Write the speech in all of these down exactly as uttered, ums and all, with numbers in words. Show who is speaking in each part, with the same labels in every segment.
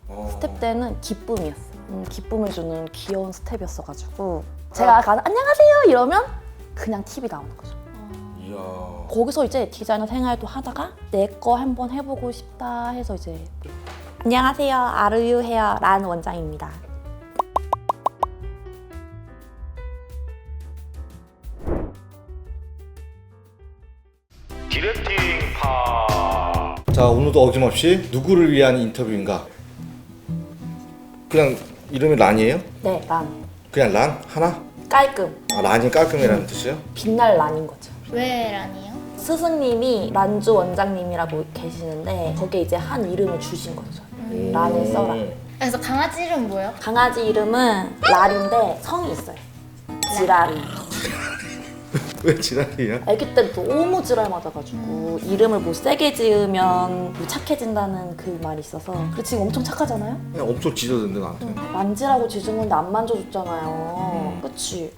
Speaker 1: 어.
Speaker 2: 스텝 때는 기쁨이었어. 음, 기쁨을 주는 귀여운 스텝이었어가지고 제가 가서 안녕하세요 이러면 그냥 팁이 나오는 거죠.
Speaker 1: 이야.
Speaker 2: 거기서 이제 디자이너 생활도 하다가 내 거 한번 해보고 싶다 해서 이제 안녕하세요 아르유 헤어 란 원장입니다.
Speaker 1: 디렉팅 파. 자, 오늘도 어김없이 누구를 위한 인터뷰인가? 그냥 이름이 란이에요?
Speaker 2: 네, 란.
Speaker 1: 그냥 란? 하나?
Speaker 2: 깔끔.
Speaker 1: 아, 란이 깔끔이라는 뜻이에요?
Speaker 2: 빛날 란인 거죠.
Speaker 3: 왜 란이요?
Speaker 2: 스승님이 란주 원장님이라고 계시는데 거기에 이제 한 이름을 주신 거죠.
Speaker 3: 음.
Speaker 2: 란을 써라.
Speaker 3: 그래서 강아지 이름 뭐예요?
Speaker 2: 강아지 이름은 랄인데 성이 있어요. 지랄이.
Speaker 1: 왜 지랄이야?
Speaker 2: 아기 때 너무 지랄 맞아가지고 이름을 뭐 세게 지으면 뭐 착해진다는 그 말이 있어서 그리고 지금 엄청 착하잖아요?
Speaker 1: 그냥 엄청 짖어den데 나한테.
Speaker 2: 만지라고 짖은 건데 안 만져줬잖아요. 그치?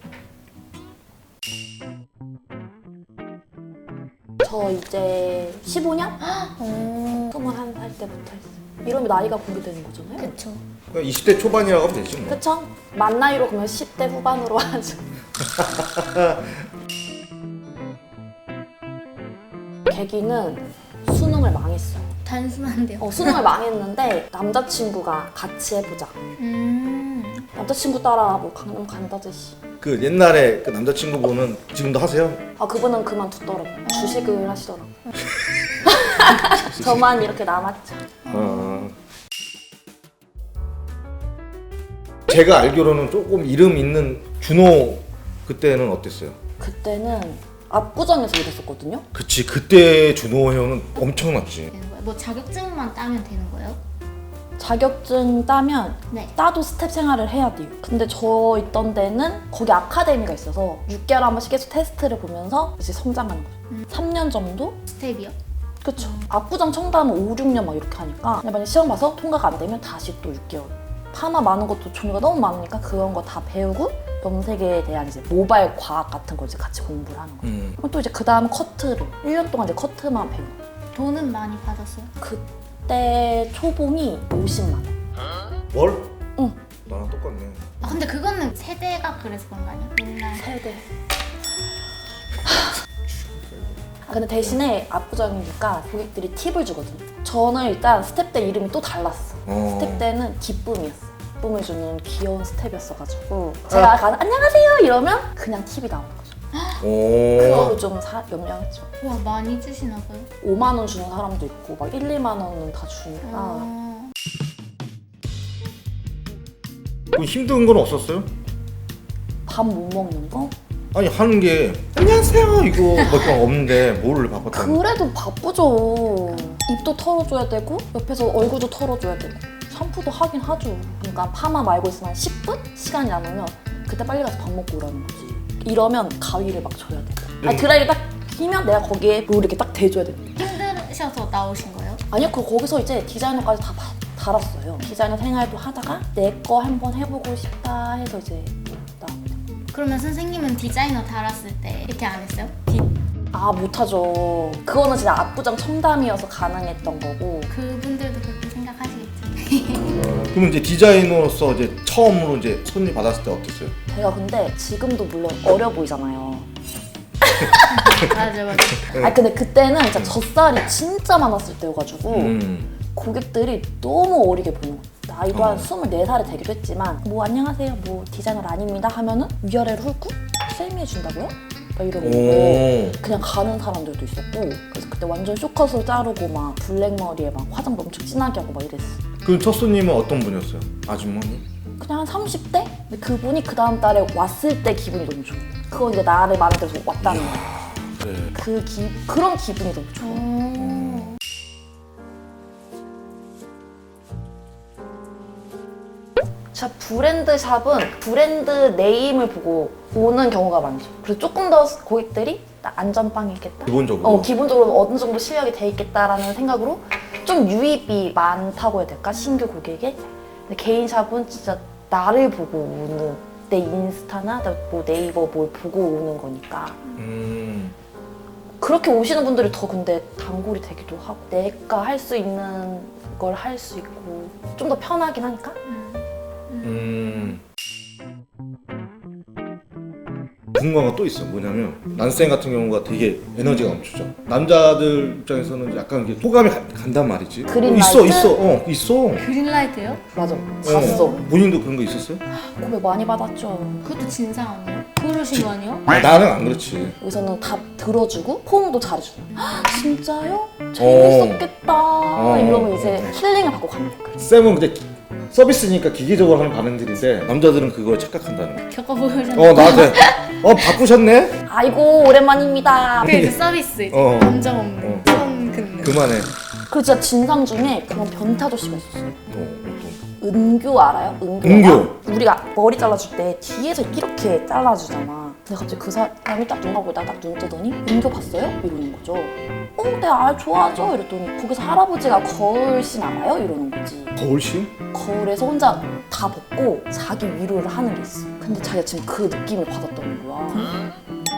Speaker 2: 저 이제 십오 년?
Speaker 3: 오,
Speaker 2: 스물한 살 때부터 했어요. 이러면 나이가 공개되는 거잖아요?
Speaker 3: 그쵸.
Speaker 1: 그냥 이십 대 초반이라고 하면 되지 뭐.
Speaker 2: 그쵸? 만 나이로 그러면 십 대 후반으로 하죠. 계기는 수능을 망했어요.
Speaker 3: 단순한데요.
Speaker 2: 어, 수능을 망했는데 남자친구가 같이 해보자.
Speaker 3: 음,
Speaker 2: 남자친구 따라 뭐 강남 간다듯이.
Speaker 1: 그 옛날에 그 남자친구분은 지금도 하세요?
Speaker 2: 아 그분은 그만두더라고요. 주식을 하시더라고요. 저만 이렇게 남았죠.
Speaker 1: 어. 제가 알기로는 조금 이름 있는 준호 그때는 어땠어요?
Speaker 2: 그때는 압구정에서 일했었거든요.
Speaker 1: 그치, 그때 준호 형은 엄청났지.
Speaker 3: 되는 거예요? 뭐 자격증만 따면 되는 거예요?
Speaker 2: 자격증 따면
Speaker 3: 네.
Speaker 2: 따도 스텝 생활을 해야 돼요. 근데 저 있던 데는 거기 아카데미가 있어서 육 개월에 한 번씩 계속 테스트를 보면서 이제 성장하는 거죠.
Speaker 3: 음.
Speaker 2: 삼 년 정도?
Speaker 3: 스텝이요?
Speaker 2: 그쵸. 압구정 청담은 오, 육 년 막 이렇게 하니까 그냥 만약 시험 봐서 통과가 안 되면 다시 또 육 개월. 파마 많은 것도 종류가 너무 많으니까 그런 거 다 배우고 염색에 대한 이제 모발 과학 같은 걸 이제 같이 공부를 하는 거예요.
Speaker 1: 음.
Speaker 2: 그럼 또 이제 그 다음 커트를 일 년 동안 이제 커트만 배우고.
Speaker 3: 돈은 많이 받았어요?
Speaker 2: 그때 초봉이 오십만 원.
Speaker 1: 뭘?
Speaker 2: 응.
Speaker 1: 나랑 똑같네.
Speaker 3: 아, 근데 그거는 세대가 그래서 그런 거 아니야? 옛날
Speaker 2: 세대. 아, 근데 대신에 압구정이니까 고객들이 팁을 주거든요. 저는 일단 스텝 때 이름이 또 달랐어.
Speaker 1: 어.
Speaker 2: 스텝 때는 기쁨이었어. 기쁨을 주는 귀여운 스텝이었어가지고 제가 가서 안녕하세요 이러면 그냥 팁이 나오는 거죠.
Speaker 1: 오.
Speaker 2: 그거를 좀 사, 염려했죠.
Speaker 3: 와, 많이 주시나 봐요?
Speaker 2: 오만 원 주는 사람도 있고 막 일, 이만 원은 다 주니까
Speaker 3: 어,
Speaker 1: 그 힘든 건 없었어요?
Speaker 2: 밥 못 먹는 거?
Speaker 1: 아니 하는 게 안녕하세요 이거 몇 번 없는데 뭐를 바꿨다는
Speaker 2: 그래도 바쁘죠. 입도 털어줘야 되고 옆에서 얼굴도 털어줘야 되고 샴푸도 하긴 하죠. 그러니까 파마 말고 있으면 한 십 분? 시간이 남으면 그때 빨리 가서 밥 먹고 오라는 거지. 이러면 가위를 막 줘야 돼. 아니 드라이기 딱 끼면 내가 거기에 롤 이렇게 딱 대줘야 돼.
Speaker 3: 힘드셔서 나오신 거예요?
Speaker 2: 아니요, 그 거기서 이제 디자이너까지 다 바- 달았어요. 디자이너 생활도 하다가 내 거 한번 해보고 싶다 해서 이제 나.
Speaker 3: 그러면 선생님은 디자이너 달았을 때 이렇게 안 했어요? 디...
Speaker 2: 아 못하죠. 그거는 진짜 압구정 청담이어서 가능했던 거고.
Speaker 3: 그분들도 그렇게 생각하시겠지.
Speaker 1: 그럼 이제 디자이너로서 이제 처음으로 이제 손님 받았을 때 어땠어요?
Speaker 2: 제가 근데 지금도 물론 어려 보이잖아요.
Speaker 3: 맞아, 맞아.
Speaker 2: 아 근데 그때는 진짜 젖살이 진짜 많았을 때여가지고
Speaker 1: 음.
Speaker 2: 고객들이 너무 어리게 보는 거예요. 나이도 한
Speaker 1: 어.
Speaker 2: 스물네 살이 되기도 했지만 뭐 안녕하세요 뭐 디자이너 아닙니다 하면은 위아래를 훑고 쌤이 해준다고요? 막 이러고
Speaker 1: 오.
Speaker 2: 그냥 가는 사람들도 있었고 그래서 그때 완전 쇼컷을 자르고 막 블랙머리에 막 화장도 엄청 진하게 하고 막 이랬어.
Speaker 1: 그럼 첫 손님은 어떤 분이었어요? 아주머니?
Speaker 2: 그냥 한 삼십 대? 근데 그분이 그 다음 달에 왔을 때 기분이 너무 좋아. 그건 이제 나를 마음에 들어서 왔다는 거야.
Speaker 1: 그래.
Speaker 2: 그 기, 그런 기분이 너무 좋아.
Speaker 3: 오.
Speaker 2: 자, 브랜드 샵은 브랜드 네임을 보고 오는 경우가 많죠. 그래서 조금 더 고객들이 나 안전빵이겠다.
Speaker 1: 기본적으로?
Speaker 2: 어, 기본적으로 어느 정도 실력이 돼 있겠다라는 생각으로 좀 유입이 많다고 해야 될까? 신규 고객에. 근데 개인 샵은 진짜 나를 보고 오는 내 인스타나 뭐 네이버 뭘 보고 오는 거니까.
Speaker 1: 음.
Speaker 2: 그렇게 오시는 분들이 더 근데 단골이 되기도 하고 내가 할 수 있는 걸 할 수 있고 좀 더 편하긴 하니까.
Speaker 1: 음. 궁금한 거 또 있어. 뭐냐면 난생 같은 경우가 되게 에너지가 넘치죠. 남자들 입장에서는 약간 이게 호감이 가, 간단 말이지.
Speaker 2: 그린라이트?
Speaker 1: 있어 있어 어 있어.
Speaker 3: 그린라이트요?
Speaker 2: 맞아. 봤어.
Speaker 1: 어, 본인도 그런 거 있었어요?
Speaker 2: 고백 많이 받았죠.
Speaker 3: 그것도 진상 아니에요? 그러신 거 아니에요?
Speaker 1: 아, 나는 안 그렇지.
Speaker 2: 여기서는 답 들어주고 포옹도 잘해주고. 헉, 진짜요? 재밌었겠다.
Speaker 1: 어.
Speaker 2: 이러면 이제 힐링을 받고 갑니다.
Speaker 1: 쌤은 근데 기- 서비스니까 기계적으로 하는 반응들인데 남자들은 그걸 착각한다는 거야.
Speaker 3: 겪어보셨나요?
Speaker 1: 어 나한테 어 바꾸셨네?
Speaker 2: 아이고 오랜만입니다.
Speaker 3: 그 이제 서비스 이제
Speaker 1: 어.
Speaker 3: 감정 없는
Speaker 1: 어.
Speaker 3: 선 긋는.
Speaker 1: 그만해.
Speaker 2: 그리고 진짜 진상 중에 그런 변태 아저씨가 있었어요.
Speaker 1: 어, 어떤.
Speaker 2: 은교 알아요? 은교.
Speaker 1: 은교.
Speaker 2: 우리가 머리 잘라줄 때 뒤에서 이렇게 잘라주잖아. 근데 갑자기 그 사람이 딱 눈 감고 딱 눈 뜨더니 은교 봤어요? 이러는 거죠. 어, 네, 아, 좋아하죠? 이랬더니 거기서 할아버지가 거울씬 알아요? 이러는 거지.
Speaker 1: 거울씬?
Speaker 2: 거울에서 혼자 다 벗고 자기 위로를 하는 게 있어. 근데 자기가 지금 그 느낌을 받았다는 거야.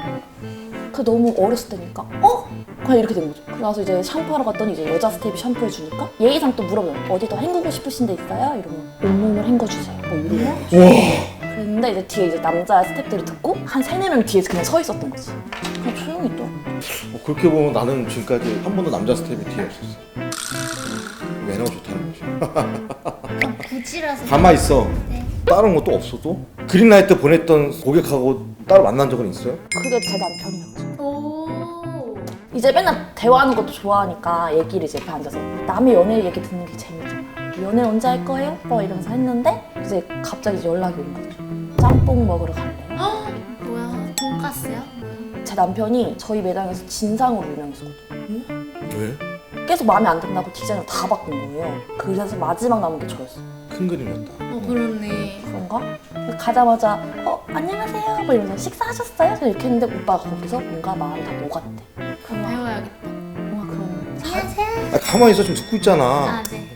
Speaker 2: 그 너무 어렸을 때니까 어? 그냥 이렇게 된 거죠. 그래서 이제 샴푸하러 갔더니 이제 여자 스텝이 샴푸해 주니까 예의상 또 물어봐요. 어디 더 헹구고 싶으신 데 있어요? 이러면 온몸을 헹궈주세요. 뭐 이러는 거죠.
Speaker 1: 우와.
Speaker 2: 그랬는데 이제 뒤에 이제 남자 스텝들이 듣고 한 세네 명 뒤에서 그냥 서 있었던 거지. 그냥 조용히 있더라고.
Speaker 1: 어, 그렇게 보면 나는 지금까지 한 번도 남자 스텝이 뒤에 없었어. 매너가 좋다는 거지.
Speaker 3: 아, 굳이라서.
Speaker 1: 가만 있어.
Speaker 3: 네.
Speaker 1: 다른 것도 없어도 그린라이트 보냈던 고객하고 따로 만난 적은 있어요?
Speaker 2: 그게 제 남편이었죠.
Speaker 3: 오.
Speaker 2: 이제 맨날 대화하는 것도 좋아하니까 얘기를 이제 옆에 앉아서 남의 연애 얘기 듣는 게 재밌잖아. 연애 언제 할 거예요? 뭐 이러면서 했는데 이제 갑자기 이제 연락이 온 거죠. 짬뽕 먹으러 갈래?
Speaker 3: 헉, 뭐야? 돈까스요? 뭐야?
Speaker 2: 제 남편이 저희 매장에서 진상으로 유명했었거든요.
Speaker 1: 왜?
Speaker 2: 계속 마음에 안 든다고 디자인을 다 바꾼 거예요. 그래서 마지막 남은 게 저였어요.
Speaker 1: 큰 그림이었다.
Speaker 3: 어, 그렇네.
Speaker 2: 그런가? 가자마자 어 안녕하세요 뭐 이러면서 식사하셨어요? 그냥 이렇게 했는데 오빠가 거기서 뭔가 마음이 다 녹았대. 그럼 막
Speaker 3: 배워야겠다.
Speaker 2: 뭔가 그런 사-
Speaker 3: 안녕하세요.
Speaker 1: 아, 가만히 있어. 지금 듣고 있잖아.
Speaker 3: 아, 네.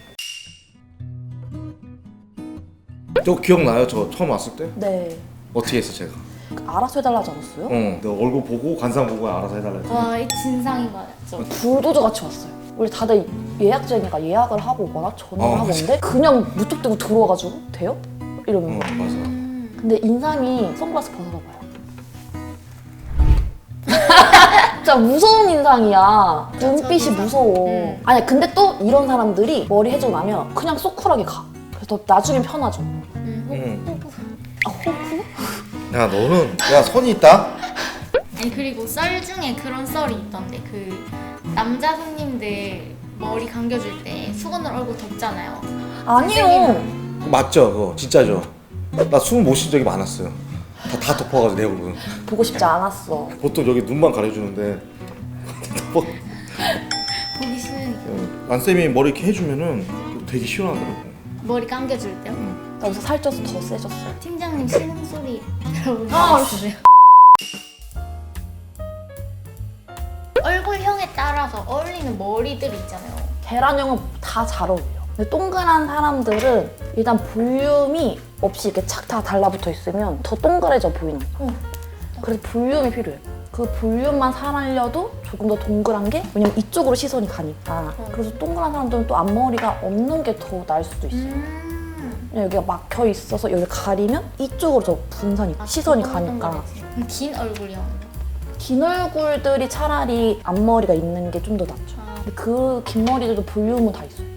Speaker 1: 저 기억나요? 저 처음 왔을 때?
Speaker 2: 네.
Speaker 1: 어떻게 했어 제가?
Speaker 2: 알아서 해달라지 않았어요?
Speaker 1: 어, 너 얼굴 보고 관상 보고 알아서 해달라 했지.
Speaker 3: 와, 이 진상인 거 맞죠?
Speaker 2: 불도저 같이 왔어요. 우리 다들 예약제니까 예약을 하고 오거나 전화를
Speaker 1: 어,
Speaker 2: 하고
Speaker 1: 맞아.
Speaker 2: 오는데 그냥 무턱대고 들어와가지고 돼요? 이러는
Speaker 1: 어,
Speaker 2: 거야.
Speaker 1: 맞아.
Speaker 3: 음.
Speaker 2: 근데 인상이 선글라스 벗어봐봐요. 진짜 무서운 인상이야. 눈빛이 무서워.
Speaker 3: 음.
Speaker 2: 아니 근데 또 이런 사람들이 머리 해주고 나면 그냥 쏙 쿨하게 가. 그래서 나중엔 편하죠.
Speaker 3: 음,
Speaker 1: 응.
Speaker 3: 호프, 호프.
Speaker 2: 아 호프?
Speaker 1: 야 너는 야 선이 있다.
Speaker 3: 아니 그리고 썰 중에 그런 썰이 있던데 그 남자 손님들 머리 감겨줄 때 수건을 얼굴 덮잖아요.
Speaker 2: 아니요.
Speaker 1: 맞죠 그거 진짜죠. 나 숨 못 쉰 적이 많았어요. 다, 다 덮어가지고 내 얼굴은.
Speaker 2: 보고 싶지 않았어.
Speaker 1: 보통 여기 눈만 가려주는데 덮어.
Speaker 3: 보기 싫으니까.
Speaker 1: 안쌤이 머리 이렇게 해주면은 되게 시원하더라고.
Speaker 3: 머리 감겨줄 때요?
Speaker 2: 나 여기서 살쪄서 더 세졌어요.
Speaker 3: 팀장님 신음 소리 들어보신
Speaker 2: 아,
Speaker 3: 적 있으세요? 얼굴형에 따라서 어울리는 머리들 있잖아요.
Speaker 2: 계란형은 다 잘 어울려. 근데 동그란 사람들은 일단 볼륨이 없이 이렇게 착 다 달라붙어 있으면 더 동그래져 보이는 거야.
Speaker 3: 어.
Speaker 2: 그래서 볼륨이 필요해. 그 볼륨만 살려도 조금 더 동그란 게 왜냐면 이쪽으로 시선이 가니까.
Speaker 3: 어.
Speaker 2: 그래서 동그란 사람들은 또 앞머리가 없는 게 더 나을 수도 있어요.
Speaker 3: 음.
Speaker 2: 여기가 막혀 있어서 여기 가리면 이쪽으로 더 분산이
Speaker 3: 아,
Speaker 2: 시선이
Speaker 3: 그건
Speaker 2: 가니까.
Speaker 3: 동그랗지. 그럼 긴 얼굴형.
Speaker 2: 긴 얼굴들이 차라리 앞머리가 있는 게 좀 더 낫죠.
Speaker 3: 아.
Speaker 2: 근데 그 긴 머리들도 볼륨은 다 있어요.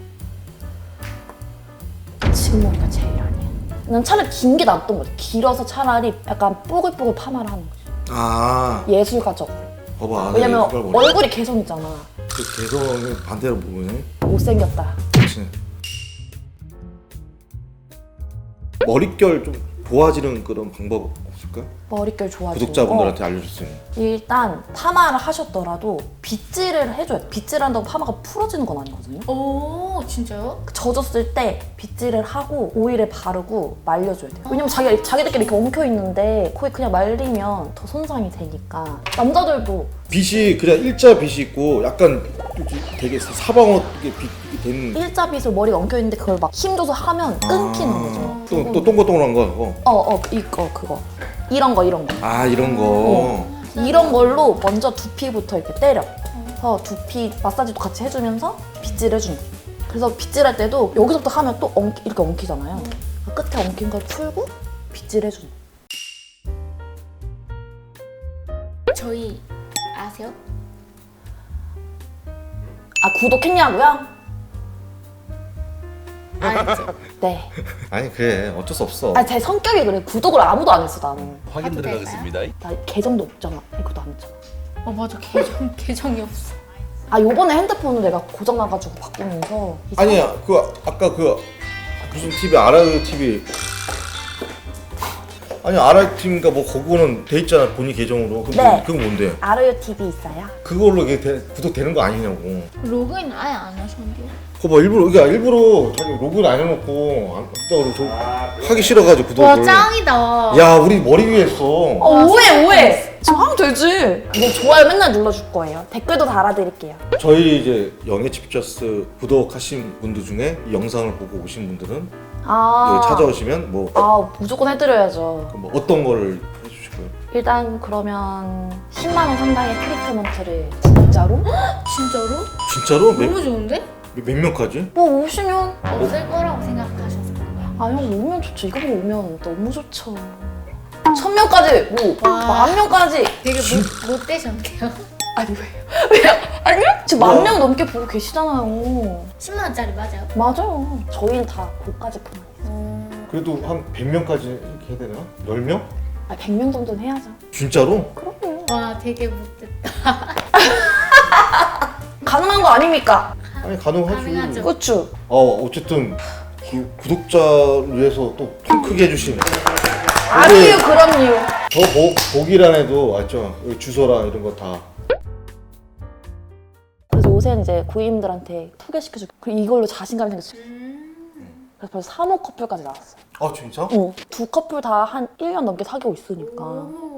Speaker 2: 지금 머리가 제일 아니야. 난 차라리 긴 게 낫던 거지. 길어서 차라리 약간 뽀글뽀글 파마를 하는 거지.
Speaker 1: 아
Speaker 2: 예술가적으로.
Speaker 1: 봐봐.
Speaker 2: 왜냐면
Speaker 1: 내 머리.
Speaker 2: 얼굴이 개성있잖아.
Speaker 1: 그 개성을 반대로 보면
Speaker 2: 못생겼다.
Speaker 1: 그렇지. 머릿결 좀 좋아지는 그런 방법 없을까?
Speaker 2: 머릿결 좋아지고.
Speaker 1: 구독자분들한테 알려줄 수 있는.
Speaker 2: 어, 일단 파마를 하셨더라도 빗질을 해줘야 돼. 빗질 한다고 파마가 풀어지는 건 아니거든요.
Speaker 3: 오, 진짜요?
Speaker 2: 젖었을 때 빗질을 하고 오일을 바르고 말려줘야 돼요. 왜냐면 자기, 자기들끼리 이렇게 엉켜있는데 거기 그냥 말리면 더 손상이 되니까. 남자들도
Speaker 1: 빗이 그냥 일자 빗이 있고 약간 되게 사방어 빛이 된.
Speaker 2: 일자 빗을 머리가 엉켜있는데 그걸 막 힘줘서 하면 끊기는 거죠.
Speaker 1: 또, 또 동글동글한 거. 어.
Speaker 2: 어, 어, 이거, 그거. 이런 거, 이런 거.
Speaker 1: 아 이런 거.
Speaker 2: 어. 이런 걸로 먼저 두피부터 이렇게 때려. 그래서 두피 마사지도 같이 해주면서 빗질 해주는 거. 그래서 빗질할 때도 여기서부터 하면 또 엉키, 이렇게 엉키잖아요. 끝에 엉킨 걸 풀고 빗질해주는.
Speaker 3: 저희 아세요?
Speaker 2: 아 구독했냐고요?
Speaker 3: 알죠?
Speaker 2: 네.
Speaker 1: 아니 그래 어쩔 수 없어.
Speaker 2: 아 제 성격이 그래. 구독을 아무도 안 했어 나는.
Speaker 4: 확인
Speaker 3: 해도
Speaker 4: 들어가겠습니다.
Speaker 2: 나 계정도 없잖아. 이것도 안 했잖아.
Speaker 3: 어 맞아 계정 계정이 없어.
Speaker 2: 아 요번에 핸드폰을 내가 고장 나가지고 바꾸면서 이 사-
Speaker 1: 아니야 그 아까 그 무슨 티비 아라유 티비 아니 아라유 티비인가 뭐 그거는 돼 있잖아 본인 계정으로. 그럼
Speaker 2: 네.
Speaker 1: 그건 뭔데?
Speaker 2: 아르유 티비 있어요?
Speaker 1: 그걸로 이게 되, 구독되는 거 아니냐고.
Speaker 3: 로그인 아예 안 하셨는데요?
Speaker 1: 그거 뭐 일부러 이게 일부러 자기 로그인 안 해놓고 안 했다고 저 하기 싫어가지고 구독을.
Speaker 3: 와 짱이다.
Speaker 1: 야 우리 머리 위에 했어.
Speaker 2: 어 오해 오해. 지금 하면 되지. 이제 좋아요 맨날 눌러줄 거예요. 댓글도 달아드릴게요.
Speaker 1: 저희 이제 영예치 피처스 구독하신 분들 중에 이 영상을 보고 오신 분들은
Speaker 2: 아
Speaker 1: 여기 찾아오시면 뭐,
Speaker 2: 아 무조건 해드려야죠.
Speaker 1: 뭐 어떤 거를 해주실 거예요?
Speaker 2: 일단 그러면 십만 원 상당의 트리트먼트를 진짜로?
Speaker 3: 진짜로?
Speaker 1: 진짜로? 몇,
Speaker 3: 너무 좋은데?
Speaker 1: 몇 명까지?
Speaker 2: 뭐 오시면
Speaker 3: 없을 거라고 생각하셨을 거예요.
Speaker 2: 아 형 오면 좋죠. 이거 보고 오면 너무 좋죠. 천 명까지 뭐
Speaker 3: 와.
Speaker 2: 만 명까지.
Speaker 3: 되게 못, 못 되셨네요.
Speaker 2: 아니 왜요? 왜요? 아니요? 지금 만 명 넘게 보고 계시잖아요.
Speaker 3: 십만 원짜리 맞아요?
Speaker 2: 맞아요. 저희는 다 고가지 그만.
Speaker 3: 음...
Speaker 1: 그래도 한 백 명까지 이렇게 해야 되나? 열 명?
Speaker 2: 아 백 명 정도는 해야죠.
Speaker 1: 진짜로?
Speaker 2: 그럼요.
Speaker 3: 와 되게 못됐다.
Speaker 2: 가능한 거 아닙니까?
Speaker 1: 아니 가능하지.
Speaker 3: 가능하죠.
Speaker 2: 그쵸?
Speaker 1: 어 어쨌든 구, 구독자를 위해서 또 통 크게 해주신
Speaker 2: 아니요 그럼요.
Speaker 1: 저 보, 보기란에도 맞죠? 여기 주소랑 이런 거 다.
Speaker 2: 그래서 요새 이제 고객님들한테 소개시켜주고 그리고 이걸로 자신감이 생겼어요.
Speaker 3: 음...
Speaker 2: 그래서 벌써 삼 호 커플까지 나왔어요.
Speaker 1: 아 진짜?
Speaker 2: 어, 두 커플 다 한 일 년 넘게 사귀고 있으니까.
Speaker 3: 오.